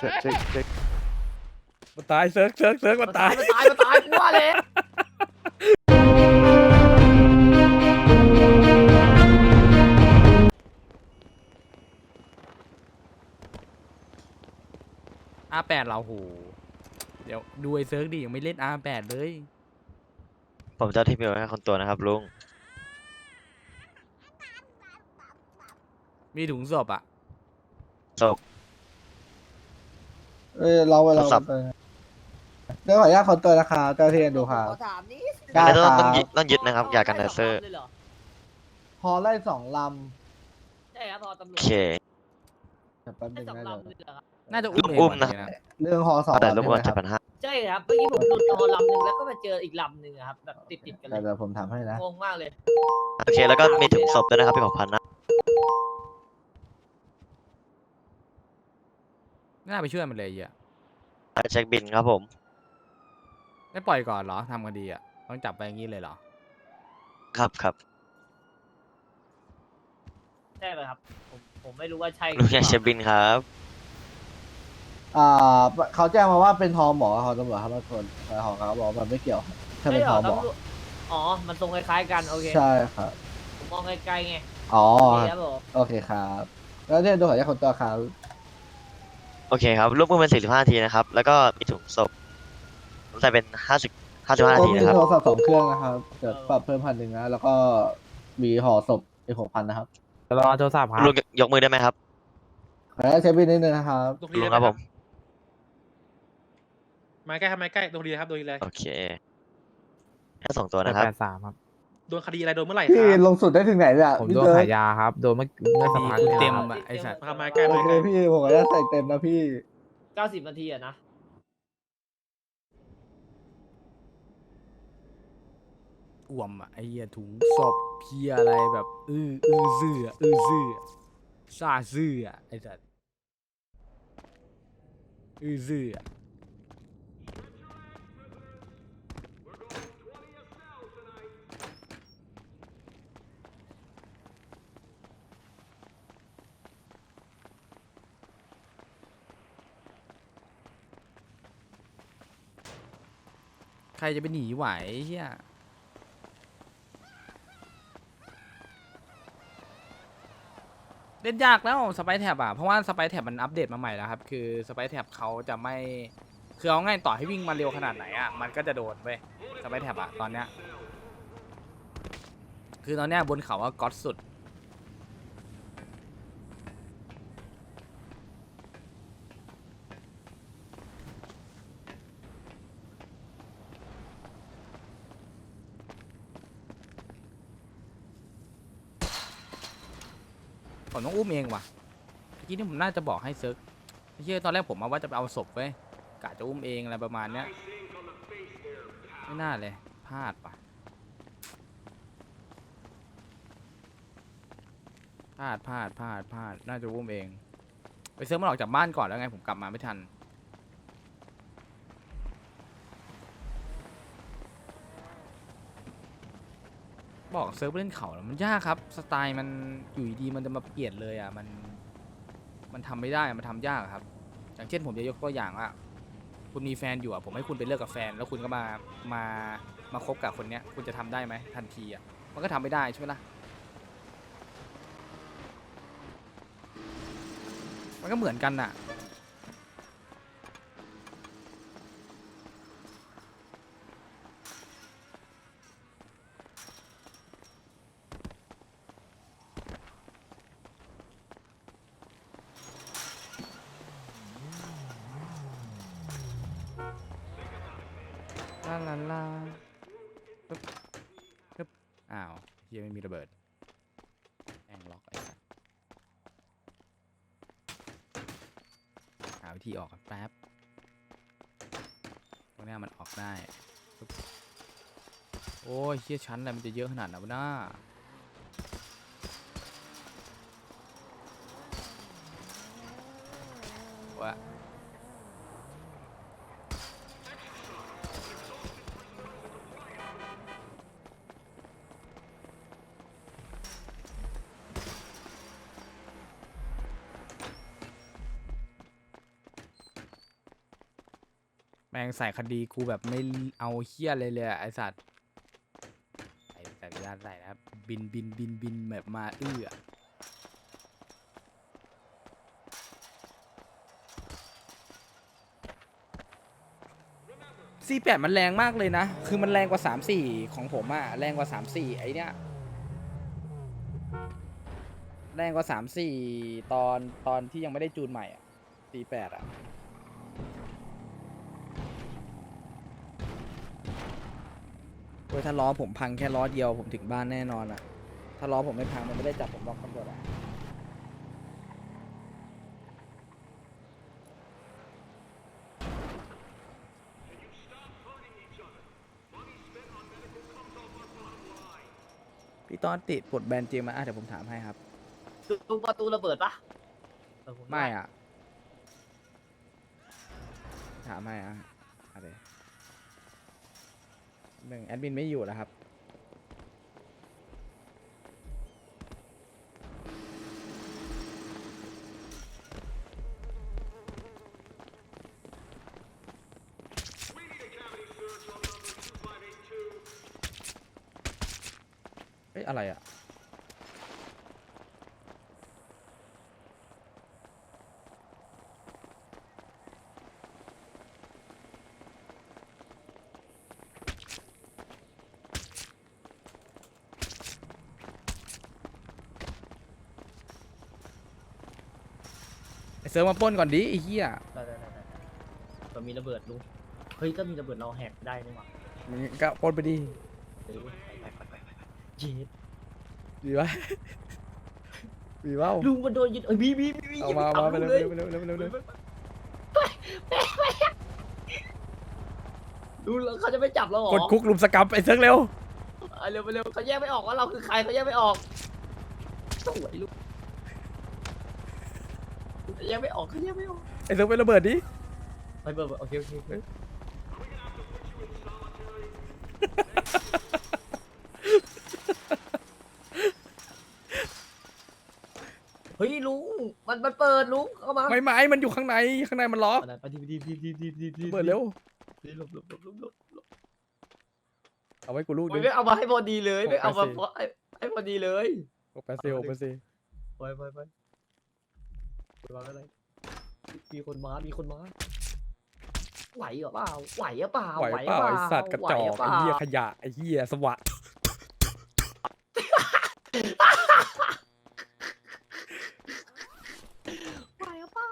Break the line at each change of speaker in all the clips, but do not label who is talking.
เช็ค
มันตายเซิร์กมันตาย
มันตายกลัวเลย
R8เราโหเดี๋ยวดูไอ้เซิร์กดิยังไม่เล่น R8เลย
ผมจะที่มีไว้ให้คนตัวนะครับลุง
มีถุงศพอ่ะ
ศพ
เรา
โทรศัพท์
เดี๋ยวขออนุญาตคนตัวนะคะเจ้าที่ดูค่ะ
ขอถามนี่
ได้
แล้ว
ครับ
ต้องยึดนะครับยากันไดเซอร์
พอไล่2 ล
ใช่ครับพอตำรว
โอ
จ
เค
ำแป๊บนึ
ได้
ง
สอง
นะ
ลำเลยเหรอครับ
น่าจะอุ้มเอง
อุ้ม
วัน
นะ
นี้นะ
เรื่องฮอ2
แต่รบกวน
ใช่ไหมครับ
7,500
ใช่ครับเมื่อกี้ผมหลุดฮอลำหนึ่งแล้วก็มาเจออีกลำหนึ่งอะครับแบบติดกันเลย
เดี๋ยวผมทำให้นะ
งงมากเลย
โอเคแล้วก็มีถุงศพด้วยนะครับพี่6,000นะ
น่าไปช่วยมันเลยอ่ะ
เช็คบินครับผม
ไม่ปล่อยก่อนเหรอทำคดีอ่ะต้องจับไปอย่างนี้เลยเหรอ
ครับ
ใช่ไหมครับผมไม่รู้ว่าใช่
ลุงอยากเช็คบินครับ
เขาแจ้งมาว่าเป็นฮอหมอฮอตำรวจครับทุกคนแต่ฮอเขาบอกว่ามันไม่เกี่ยวถ้า
ใช่
เป็น
เหร
ฮ
อ
อหมอ
ตำรวจอ๋อมันทรงคล้ายๆกันโอเค
ใช่ครับ
ผมมองไกลๆไง
อ๋อ
โอเคครับผม
โอเคครับ แล้วเนี่ยดูขออนุญาตคนตัวครับ
โอเคครับลูกมือเป็น45นาทีนะครับแล้วก็มีถุงศพผมใส่เป็น55นาที
มี
นะครับ
โทรศัพท์2 เครื่องนะครับเดี๋ยวปรับเพิ่ม1,000นะแล้วก็มีห่อศพอีก6,000นะครับ
รอโทรศัพท์ครับ
ลุงยกมือได้ไหมครับ
ขออนุญาตเช็คบินนิดนึงนะครับ
ลุงครับผม
มาใกล้ครับมาใกล้โดนคดีครับโดนคดีอะไร
โอเคแค่2ตัวนะครับ
83 ครับ
โดนคดีอะไรโดนเมื่อไหร่ค
พี่
รับ
ลงสุดได้ถึงไหนเนี่ย
ผม
พี่
โดน
เซิร์
ขายยาครับ โดนเมื่อสักพัก
ดี
นี่ย
เต็ม
ครับ
อ่ะไอ้สัตว์
มาใกล้
โอ
มา
เค
ใกล้
พี่ผมขออนุญาตใส่เต็มนะพี่
90 นาทีอะนะ
อ่วมอ่ะไอ้เหี้ยถุงศพเพียอะไรแบบซื่อซาซื่ออ่ะไอ้สัตว์ซื่ออ่ะใครจะไปหนีไหวเฮียเล่นยากแล้วสไปแท็บอ่ะเพราะว่าสไปแท็บมันอัปเดตมาใหม่แล้วครับคือสไปแท็บเขาจะไม่คือเอาง่ายต่อให้วิ่งมาเร็วขนาดไหนอ่ะมันก็จะโดนเว้ยสไปแท็บอ่ะตอนเนี้ยคือตอนเนี้ยบนเขาว่าก๊อตสุดผมต้องอุ้มเองว่ะเมื่อกี้นี่ผมน่าจะบอกให้เซิร์กไอ้เหี้ยตอนแรกผมมาว่าจะไปเอาศพเว้ยกะจะอุ้มเองอะไรประมาณเนี้ยไม่น่าเลยพลาดว่ะพลาดน่าจะอุ้มเองไปเซิร์กมันออกจากบ้านก่อนแล้วไงผมกลับมาไม่ทันบอกเซิร์ฟเล่นเขาแล้วมันยากครับสไตล์มันอยู่ดีๆมันจะมาเปลี่ยนเลยอ่ะมันทำไม่ได้มันทำยากครับ อย่างเช่นผมจะยกตัวอย่างว่าคุณมีแฟนอยู่อ่ะผมให้คุณไปเลิกกับแฟน แล้วคุณก็มาคบกับคนเนี้ยคุณจะทำได้ไหมทันทีอ่ะมันก็ทำไม่ได้ใช่ไหมล่ะมันก็เหมือนกันน่ะลาปึ๊บอ้าวเฮียไม่มีระเบิดแองล็อกไอ้สัสหาวิธีออกกันแป๊บตรงนี้มันออกได้ปึ๊บโอ้ยเฮียชั้นอะไรมันจะเยอะขนาดนั้นวะน้าวะแม่งใส่คดีกูแบบไม่เอาเฮี้ยเลยเลยอะไอสัตว์ไอสัตว์ยานใส่นะครับบินแบบมาC8 มันแรงมากเลยนะ คือมันแรงกว่า3-4ของผมอะแรงกว่า3-4ไอเนี้ยแรงกว่า3-4ตอนที่ยังไม่ได้จูนใหม่อะC8อะโอ้ยถ้าล้อผมพังแค่ล้อเดียวผมถึงบ้านแน่นอนอะถ้าล้อผมไม่พังมันไม่ได้จับผมล็อกตำรวจอะพี่ต้อนติดปลดแบนจริงไหมเดี๋ยวผมถามให้ครับ
ลุงประตูระเบิดปะเออผ
ไม่อ่ะ ถามให้อะไรหนึ่งแอดมินไม่อยู่แล้วครับ เอ้ยอะไรอ่ะ ไอเซิร์ฟมาปล้นก่อนดิไอ้เหี้ย
ได้ก็มีระเบิดลุงเฮ้ยถ้ามีระเบิดเราแหกได้นี่หว่า
มึงก็ปล้นไปดิ
เดี๋ยวไปเย็ด
ดีวะ ดีเปล่า
ลุงมันโดนยึดเอ้ยมี
เอา
อย่
มา
ไป
เอามา
ทำ
ไป
ลุง
เร็ว
เลย
เร็วเร็วเร็วเร็ว
ลุงแล้วเขาจะไม่จับเราเหรอก
ดคุกลุมสกรรมไอ้เซิร์ฟเร็ว
เอาเร็วไปเร็วเขาแยกไม่ออกว่าเราคือใครเขาแยกไม่ออกสวยลุงเขาแยกไม่ออกเขาแยกไม่ออก
ไอ้เซิร์ฟไประเบิดดิ
ไปเบิร์โอเคเฮ้ยลุงมันเปิดลุงเข้ามา
ไม่ไม้มันอยู่ข้างในมันล็อก
อะไรไปดี
เปิดเร็ว
หลบ
เอาไว้กูลูก
โอ้
นึ
ย
ง
ไม่เอามาให้พอดีเลยไม่เอามา
หกแปดสิบ
ให้พอดีเลย
6 8 4 6 8 4
ไปอะไรมีคนมาไหวเหรอเปล่าไหวหรือเปล่า
ไหวเปล่าไอ้สัตว์กระจอก
ไหว
ไอ้
ห
เหี้ย
ปล่า
ขยะไอ้เหี้ยสวะ
ไหวหรือเปล่า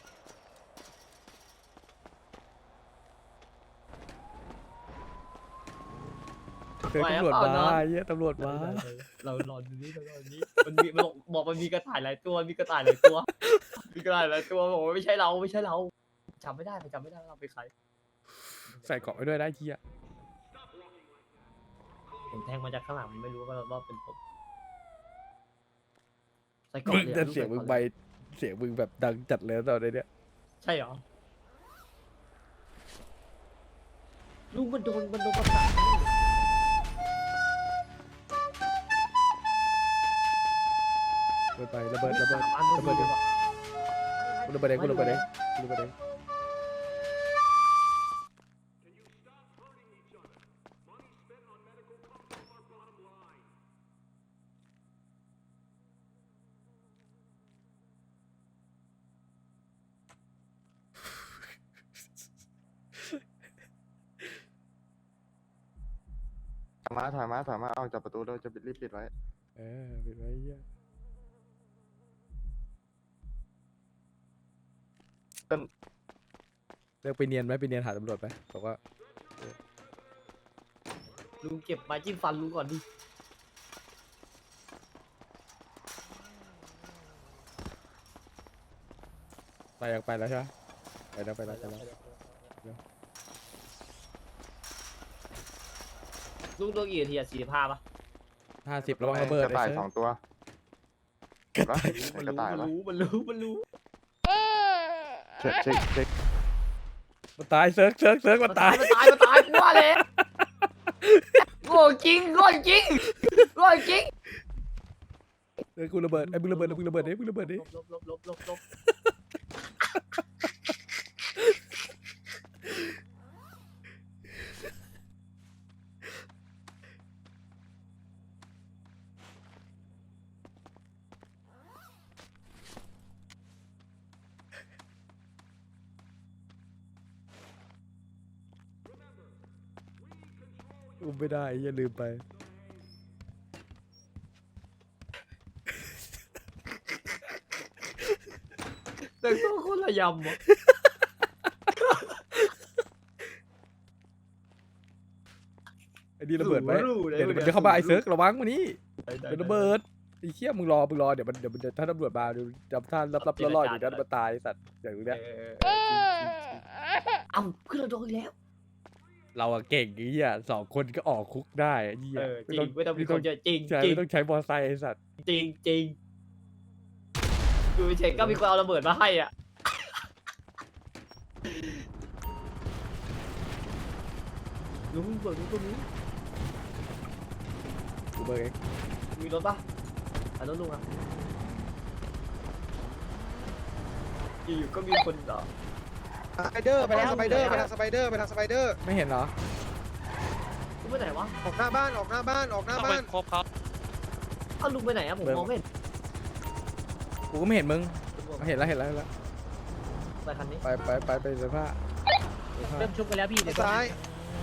เจอตำรวจมาไอ้เหี้ยตำรวจมา
เรารอดูนี่มันบอกมันมีกระต่ายหลายตัวมีกระต่ายหลายตัวบอกว่าไม่ใช่เราจำไม่ได้เราเป็นใคร
ใส่เกาะไว้ด้วยนะไอ้เหี้ย
ผมแทงมาจากข้างหลังไม่รู้ว่าเป็นผมใส่ก
มึ
ล่อง
ง
เลย
แต่เสียงมึงไปเสียงมึงแบบดังจัดเลยตอนนี้เนี่ย
ใช่เหรอลุงมันโดนประสาน
ระเบิดระเบิด
ระเบิด
เองกูระเบิดเอง
ถอยมาออกจากประตูเราจะรีบปิดไว้
ปิดไว้เหี้ยเลิกไปเนียนไหมไปเนียนหาตำรวจไหมบอกว่า
ลุงเก็บไม้จิ้มฟันลุงก่อนดิ
ไปอยากไปแล้วใช่ไหมไปแล้ว
ลุงตัวกี่นาทีอะ45ป่ะ
50ระวังระเบิด
กระต่าย
ไอ้เซิ
ส
ร์
อง
ฟ
ตัว
มั
กระต่ายปะ
มันรู้
เช็ค
มันตายเซิร์ฟมันตาย
มันตายกลัวเลยโง่จริง
เฮ้ยกูระเบิดไอ้มึงระเบิดดิมึงระเบิดดิ
ลบ
อุ้มไม่ได้อย่าลืมไป
แต่งตัวคนละยำอ่ะ
ไอ้นี่ระเบิดไหม
รู้เลย
เดี๋ยวมันจะเข้ามาไอ้เซิร์กระวังมานี่เป็นระเบิดไอ้เชี่ยมึงรอเดี๋ยวมันถ้าตำรวจมาเดี๋ยวจำท่านรับๆล่อๆอยู่นั้นมาตายไอ้สัตว์อย่างเงี้ย
เอ้าขึ้นเราโดนอีกแล้ว
เราอะเก่งไอ้เหี้ย2 คนก็ออกคุกได้ไอ้เหี้ย
จริงไม่ต้องมีคนเยอะจริง
ใช่
จริง
ไม่ต้องใช้มอไซค์ไอ้สัตว์
จริงจริงอยู่เฉยๆก็มีคนเอาระเบิดมาให้อ่ะลุงเบิร์ดลุงตัวนี้
กูเบอร์เอง
มีรถปะรถลุงอ่ะอยู่ๆก็มีคนต่อ
สไปเดอร์ไปทางสไปเดอร์ไปทางสไปเดอร์ไปทางสไปเดอร์
ไม่เห็นเหรอ
ลุงไปไหนวะ
ออกหน้าบ้านออกหน้าบ้านออกหน้าบ้าน
ครบเขา
เอ้าลุงไปไหนอะผมมองไม่เห็น
กูก็ไม่เห็นมึงเห็นแล้ว
ไปคันนี้
ไปเสื้อผ้า
เริ่มชุบกันแล้วพี่
ซ้าย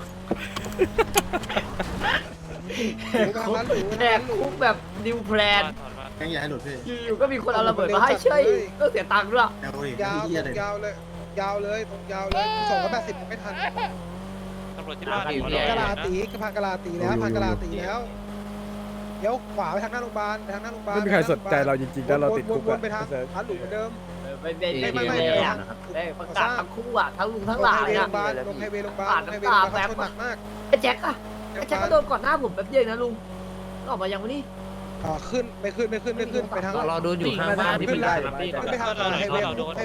หนูไปทางนั้นหนู
แหกคุกแบบนิวแพลน
ยังอย่าให้หลุดพี่
อยู่ๆก็มีคนเอาระเบิดมาให้เฉยก็เสียตังค์ด้วย
เดี๋ยวอีก
ยาว
เหี้ยเลย
ยาวเลยยาวเลยตรงยาวเลย280ไม่ทัน
ตำรวจที่บ้าน
กะลาตีก็พันกะลาตีแล้วพันกะลาตีแล้วเดี๋ยวขวาไปทางหน้าโรงพยาบาลไปทางหน้าโรงพยาบาล
ไม่มีใครสนใจเราจริงๆถ้าเราติดคุก
ว
อะ
นไปทางพันหลุมเหมือนเดิม
ไม่ประกาศทั้งคู่อ่ะทั้งลุงทั้งหลาน
โร
อ่ะ
งพยาบาลลงไฮเวย์โรงพยาบาลไฮเวย์โรงพยาบาลชนหนักมาก
ไอ้แจ็คอะไอ้แจ็คก็โดนก่อนหน้าผมแป๊บเดียวนะลุงออกมายังวะนี่
ขึ้นไปทาง
เราโดนอยู่ข้างบ้านที่เป็นได้
ขึ้นไปทางไฮเวย์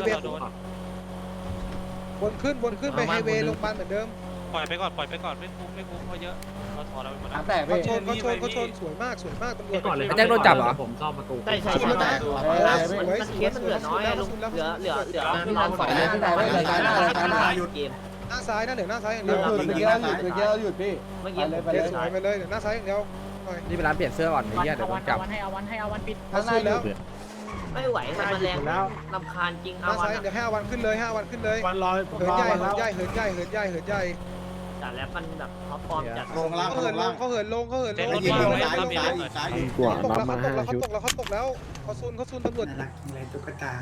วนขึ้นไปไฮเวย์โรงพยาบาลเหมือนเดิม
ปล่อยไปก่อนไม่คุ้มเขาเยอะเราถอดเราไปหมด
ทา
แล้ว
งแตกพี่
เขาชนสวยมากตำรวจ
ไอ้แจ็คโดนจับเหรอ
ผมซ่อมประตู
ใช่มันเคสมันเหลือน้อยลุงเหลือทางฝ่ายเกม
หน้าซ้ายนะเดี๋ยวหน้าซ้ายอย่าง
ห
เดี
ยุ
ยว
ดเมื่อกี้เราหยุดพี่
เมื่อกี้
ไปเลยสวยไปเลยเดี๋ยวหน้าซ้ายอย่างเดียว
นี่เป็นร้านเปลี่ยนเสื้อก่อนไอ้เหี้ยเดี๋ยวโดนจับ
ให้เอาวันปิด
ข้างหน้าแล้ว
ไม่ไหวมันแรงลำคาญจริง
ห
เอา
น้า
วั
ซ้าย
น
เดี๋ยวให้เอาวันขึ้นเลย5 วันขึ้นเลย
วันรอ
เหินใหญ่เหินใหญ่
แต่แล้วมันแบบท็อปฟอร์มจัด
ลงล่าง
เขาเหินลงเขาเหินลง
ยิงลงซ้ายซ้าย
กว่าน้ำมา5 ชุดเขาตกแล้วเขาซุนตำรวจ
อะไรตุ๊กตา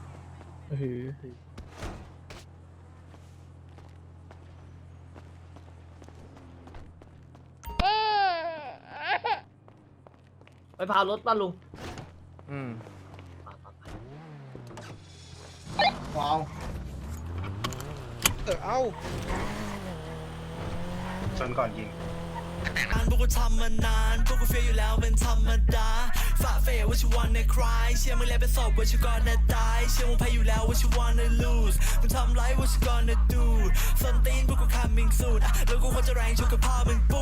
ไปพารถป่ะลุง
ว้าว
เอา
ชนก่อนยิง
พวกกูทำมานานพวกกูเฟียอยู่แล้วเป็นธรรมดาฝ่าเฟยว่าชิวันในคลายเชื่อมึงแล้วเป็นศพว่าชิวก่อนนะตายเชื่อมึงแพ้อยู่แล้วว่าชิวันใน lose มึงทำไรว่าชิวก่อนนะ do ส้นตีนพวกกู coming soon แล้วกูควรจะแรงชกกับพ่อมึง